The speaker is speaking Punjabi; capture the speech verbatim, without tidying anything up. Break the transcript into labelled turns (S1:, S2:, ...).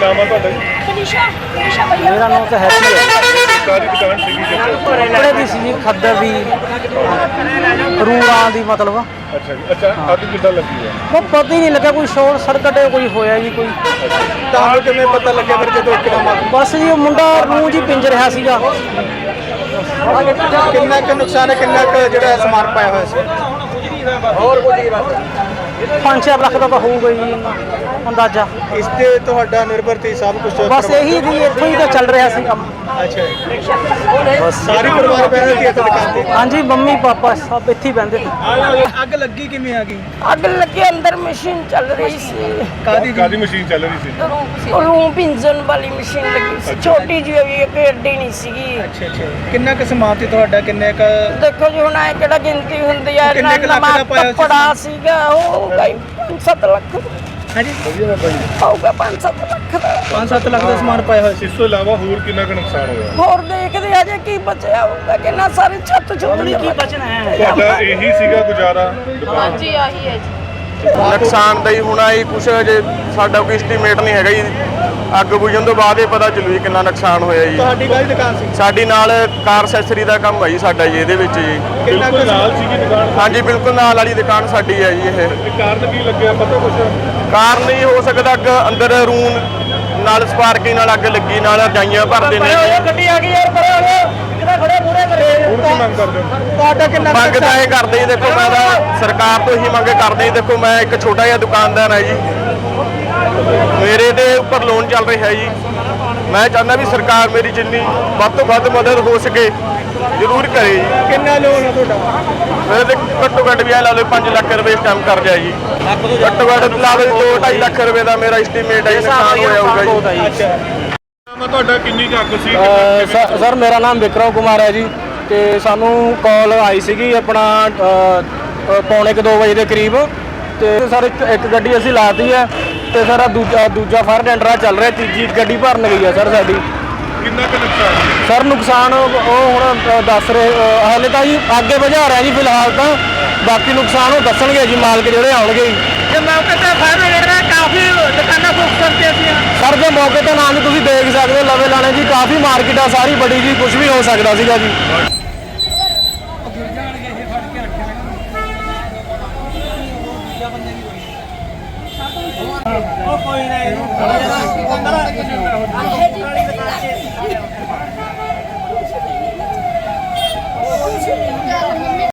S1: नाम है ਤੁਹਾਡਾ ਜੀ?
S2: मेरा नाम तो हैप्पी है।
S1: ਸਾਰੀ ਦੁਕਾਨ ਸੀਗੀ ਕਿੱਥੇ?
S2: कपड़े की सी खद्दर दी रूआं दी मतलब
S1: ਅੱਛਾ ਜੀ। ਅੱਛਾ ਅੱਗ ਕਿੱਦਾਂ ਲੱਗੀ ਹੈ?
S2: वो पता ही नहीं लगा कोई शॉर्ट सर्किट कोई होया जी कोई
S1: ਤੁਹਾਨੂੰ ਕਿਵੇਂ ਪਤਾ ਲੱਗਿਆ ਫਿਰ ਜਦੋਂ ਇੱਕਦਮ ਅੱਗ?
S2: बस जी वो मुंडा रूह जी पिंज रहा सीगा।
S3: ਕਿੰਨਾ ਕੁ ਨੁਕਸਾਨ ਹੈ, ਕਿੰਨਾ ਕੁ ਜਿਹੜਾ ਸਮਾਨ ਪਾਇਆ ਹੋਇਆ ਸੀ? ਹੋਰ ਕੁਝ
S2: पाँच छः लाख का तो होगा जी अंदाजा।
S3: ਇਸ ਤੇ ਤੁਹਾਡਾ ਨਿਰਭਰ ਸੀ ਸਭ ਕੁਝ?
S2: बस यही दी इतों ही तो चल रहा सी काम।
S3: ਅੱਛਾ ਬਸ ਸਾਰੀ ਪਰਿਵਾਰ ਬੈਠੇ ਸੀ ਇੱਥੇ ਦੁਕਾਨ ਤੇ?
S2: हाँ जी मम्मी पापा सब इत्थे ही बहते थे।
S3: ਅੱਗ ਲੱਗੀ ਕਿਵੇਂ ਆ ਗਈ?
S4: ਅੱਗ ਲੱਗੇ ਅੰਦਰ ਮਸ਼ੀਨ ਚੱਲ ਰਹੀ ਸੀ।
S3: ਕਾਦੀ
S1: ਕਾਦੀ ਮਸ਼ੀਨ ਚੱਲ ਰਹੀ ਸੀ?
S4: ਉਹ ਰੂਹ ਪਿੰਜਣ ਵਾਲੀ ਮਸ਼ੀਨ ਲੱਗੀ ਸੀ, ਛੋਟੀ ਜਿਹੀ ਹੋਈ ਇੱਕ ਏਡੀ ਨਹੀਂ ਸੀਗੀ।
S3: ਅੱਛਾ ਅੱਛਾ ਕਿੰਨਾ ਕੁ ਸਮਾਨ ਸੀ ਤੁਹਾਡਾ, ਕਿੰਨੇ ਕ
S4: ਦੇਖੋ ਜੀ ਹੁਣ ਐ ਕਿਹੜਾ ਗਿਣਤੀ ਹੁੰਦੀ ਆ,
S3: ਕਿੰਨੇ ਕੁ ਲੱਖ ਦਾ ਪਾਇਆ ਸੀ?
S4: ਕੱਪੜਾ ਸੀਗਾ ਉਹ ਹੋਊਗਾ ਹੀ ਪੰਜ ਸੱਤ ਲੱਖ
S3: ਹਾਂਜੀ
S4: ਹੋਊਗਾ, ਪੰਜ ਸੱਤ ਲੱਖ ਦਾ।
S3: ਪੰਜ ਸੱਤ ਲੱਖ ਦਾ ਸਮਾਨ ਪਾਇਆ ਹੋਇਆ ਸੀ।
S1: ਇਸ ਤੋਂ ਇਲਾਵਾ ਹੋਰ ਕਿੰਨਾ ਕੁ ਨੁਕਸਾਨ ਹੋਇਆ?
S4: ਹੋਰ ਦੇਖਦੇ ਆ ਜੇ ਕੀ ਬਚਿਆ ਹੋਊਗਾ, ਕਿੰਨਾ ਸਾਰੇ ਛੱਤ ਛੁੱਟ
S2: ਕੀ ਬਚਣਾ ਹੈ?
S1: ਤੁਹਾਡਾ ਇਹੀ ਸੀਗਾ ਗੁਜ਼ਾਰਾ ਦੁਕਾਨ?
S4: ਜੀ ਆਹੀ ਹੈ ਜੀ।
S5: ਨੁਕਸਾਨ ਦਾ ਹੀ ਹੋਣਾ ਜੀ ਕੁਛ, ਜੇ ਸਾਡਾ ਕੋਈ ਐਸਟੀਮੇਟ ਨਹੀਂ ਹੈਗਾ ਜੀ। ਅੱਗ ਬੁਝਣ ਤੋਂ ਬਾਅਦ ਹੀ ਪਤਾ ਚੱਲੂ ਜੀ ਕਿੰਨਾ ਨੁਕਸਾਨ ਹੋਇਆ ਜੀ।
S3: ਤੁਹਾਡੀ ਕਾਹਦੀ ਦੁਕਾਨ ਸੀ?
S5: ਸਾਡੀ ਨਾਲ ਕਾਰ ਅਸੈਸਰੀ ਦਾ ਕੰਮ ਹੈ ਜੀ ਸਾਡਾ ਜੀ ਇਹਦੇ ਵਿੱਚ ਜੀ।
S3: ਕਿੰਨਾ ਕੁ
S1: ਬਿਲਕੁਲ ਨਾਲ ਸੀਗੀ ਦੁਕਾਨ?
S5: ਹਾਂਜੀ ਬਿਲਕੁਲ ਨਾਲ ਵਾਲੀ ਦੁਕਾਨ ਸਾਡੀ ਹੈ ਜੀ ਇਹ।
S1: ਇਹ ਕਾਰਨ ਕੀ ਲੱਗਿਆ ਪਤਾ ਕੁਛ?
S5: ਕਾਰਨ ਨਹੀਂ ਹੋ ਸਕਦਾ ਅੱਗ ਅੰਦਰ ਰੂਮ ਨਾਲ ਸਪਾਰਕਿੰਗ ਨਾਲ ਅੱਗ ਲੱਗੀ, ਨਾਲ ਰਜਾਈਆਂ ਭਰਦੇ ਨੇ ਜੀ।
S2: ਗੱਡੀ ਆ ਗਈ ਯਾਰ ਪਰੇ ਹੋ ਜਾਓ, ਕਿਹੜਾ ਖੜੇ ਮੂਹਰੇ ਕਰੇ।
S1: ਹੁਣ ਕੀ ਮੰਗ ਕਰਦੇ ਹੋ?
S3: ਤੁਹਾਡਾ ਕਿੰਨਾ ਕੁ
S5: ਮੰਗ ਤਾਂ ਇਹ ਕਰਦੇ ਜੀ, ਦੇਖੋ ਮੈਂ ਤਾਂ ਸਰਕਾਰ ਤੋਂ ਹੀ ਮੰਗ ਕਰਦੇ ਜੀ। ਦੇਖੋ ਮੈਂ ਇੱਕ ਛੋਟਾ ਜਿਹਾ ਦੁਕਾਨਦਾਰ ਹਾਂ ਜੀ, ਮੇਰੇ ਦੇ ਉੱਪਰ ਲੋਨ ਚੱਲ ਰਿਹਾ ਜੀ। ਮੈਂ ਚਾਹੁੰਦਾ ਵੀ ਸਰਕਾਰ ਮੇਰੀ ਜਿੰਨੀ ਵੱਧ ਤੋਂ ਵੱਧ ਮਦਦ ਹੋ ਸਕੇ ਜ਼ਰੂਰ ਕਰੇ ਜੀ।
S3: ਕਿੰਨਾ ਲੋਨ ਆ ਤੁਹਾਡਾ?
S5: ਮੇਰੇ ਤੇ ਘੱਟੋ ਘੱਟ ਵੀ ਇਹ ਲਾ ਲਓ ਪੰਜ ਲੱਖ ਰੁਪਏ ਇਸ ਟਾਈਮ ਕਰ ਲਿਆ ਜੀ। ਘੱਟੋ ਘੱਟ ਲਾ ਲਓ ਦੋ ਢਾਈ ਲੱਖ ਰੁਪਏ ਦਾ ਮੇਰਾ ਐਸਟੀਮੇਟ ਹੈ ਜੀ, ਨੁਕਸਾਨ ਹੋਇਆ ਹੋਊਗਾ ਜੀ।
S3: ਅੱਛਾ
S1: ਨਾਮ ਹੈ ਤੁਹਾਡਾ? ਕਿੰਨੀ ਕੁ ਅੱਗ ਸੀ?
S2: ਅ, ਸਰ ਮੇਰਾ ਨਾਮ ਵਿਕਰਮ ਕੁਮਾਰ ਹੈ ਜੀ, ਤੇ ਸਾਨੂੰ ਕਾਲ ਆਈ ਸੀਗੀ ਆਪਣਾ ਅ, ਅ, ਪੌਣੇ ਕੁ ਦੋ ਵਜੇ ਦੇ ਕਰੀਬ। ਤੇ ਸਰ ਇੱਕ ਇੱਕ ਗੱਡੀ ਅਸੀਂ ਲਾਤੀ ਹੈ, ਤੇ ਸਰ ਆਹ ਦੂਜਾ ਦੂਜਾ ਫਾਇਰ ਟੈਂਡਰ ਚੱਲ ਰਿਹਾ, ਤੀਜੀ ਗੱਡੀ ਭਰਨ ਗਈ ਹੈ ਸਰ ਸਾਡੀ।
S1: ਕਿੰਨਾ ਕੁ ਨੁਕਸਾਨ?
S2: ਸਰ ਨੁਕਸਾਨ ਉਹ ਹੁਣ ਅ, ਦੱਸ ਰਹੇ ਅ, ਹਾਲੇ ਤਾਂ ਜੀ ਅੱਗੇ ਬੁਝਾ ਰਿਹਾ ਜੀ ਫਿਲਹਾਲ ਤਾਂ, ਬਾਕੀ ਨੁਕਸਾਨ ਉਹ ਦੱਸਣਗੇ ਜੀ ਮਾਲਕ ਜਿਹੜੇ ਆਉਣਗੇ ਜੀ।
S3: ਜੇ ਮੌਕੇ ਤੇ ਫਾਇਰ ਜਿਹੜਾ ਕਾਫੀ ਦੁਕਾਨਾਂ ਫੋਕਸ ਕਰਕੇ ਸੀ।
S2: ਸਰ ਜੇ ਮੌਕੇ ਤੇ ਨਾ ਵੀ ਤੁਸੀਂ ਦੇਖ ਸਕਦੇ ਹੋ ਲਵੇ ਲਾਣੇ ਜੀ, ਕਾਫੀ ਮਾਰਕੀਟ ਆ ਸਾਰੀ ਬੜੀ ਜੀ, ਕੁਝ ਵੀ ਹੋ ਸਕਦਾ ਸੀਗਾ ਜੀ।
S3: ਉਹ ਕੋਈ ਨਹੀਂ